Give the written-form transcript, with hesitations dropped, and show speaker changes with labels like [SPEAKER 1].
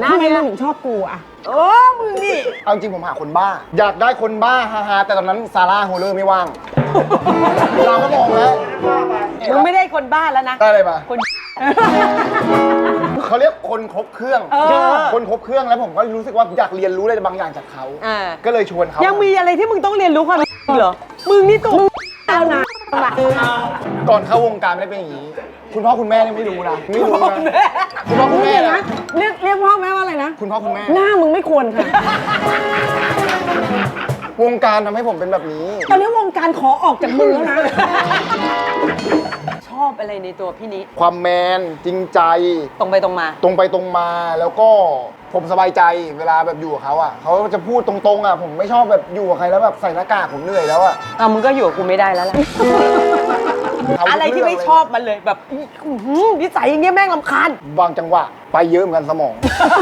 [SPEAKER 1] ทำไมมึงถึงชอบกูอะมึงนี่
[SPEAKER 2] เอาจริงผมหาคนบ้า อยากได้คนบ้าฮาๆแต่ตอนนั้นซาร่าโฮเลอร์ไม่ว่าง เราก็มองแล้ว
[SPEAKER 1] มึงไม่ได้คนบ้าแล้วนะ
[SPEAKER 2] ได้อะไรมา
[SPEAKER 1] คน
[SPEAKER 2] เขาเรียกคนครบเครื่อง คนครบเครื่องแล้วผมก็รู้สึกว่าอยากเรียนรู้อะไรบางอย่างจากเขา ก็เลยชวนเขา
[SPEAKER 1] ยังมีอะไรที่มึงต้องเรียนรู้ความเหรอ มึงนี่ตัวแล้วนะ
[SPEAKER 2] ก่อนเข้าวงการไม่ได้เป็นอย่างนี้ คุณพ่อคุณแม่เนี่ยไม่รู้นะไม่รู้นะคุณพ่อคุณแม่นะ
[SPEAKER 1] เรียกพ่อแม่ว่าอะไรนะ
[SPEAKER 2] คุณพ่อคุณแม่
[SPEAKER 1] หน้ามึงไม่ควรค่ะ
[SPEAKER 2] วงการทำให้ผมเป็นแบบนี้
[SPEAKER 1] ตอนนี้วงการขอออกจากมึงแล้วนะ ชอบอะไรในตัวพี่นี้
[SPEAKER 2] ความแมนจริงใจ
[SPEAKER 1] ตรงไปตรงมา
[SPEAKER 2] ตรงไปตรงมาแล้วก็ผมสบายใจเวลาแบบอยู่กับเขาอ่ะเขาจะพูดตรงๆอ่ะผมไม่ชอบแบบอยู่กับใครแล้วแบบใส่หน้ากากผมเหนื่อยแล้วอ่ะ
[SPEAKER 1] มึงก็อยู่กับกูไม่ได้แล้วแหละ อะไรที่ไม่ชอบมันเลยแบบนิสัยอย่างเงี้ยแม่งรำคาญ
[SPEAKER 2] บางจังหวะไปเยอะเหมือนกันสมอง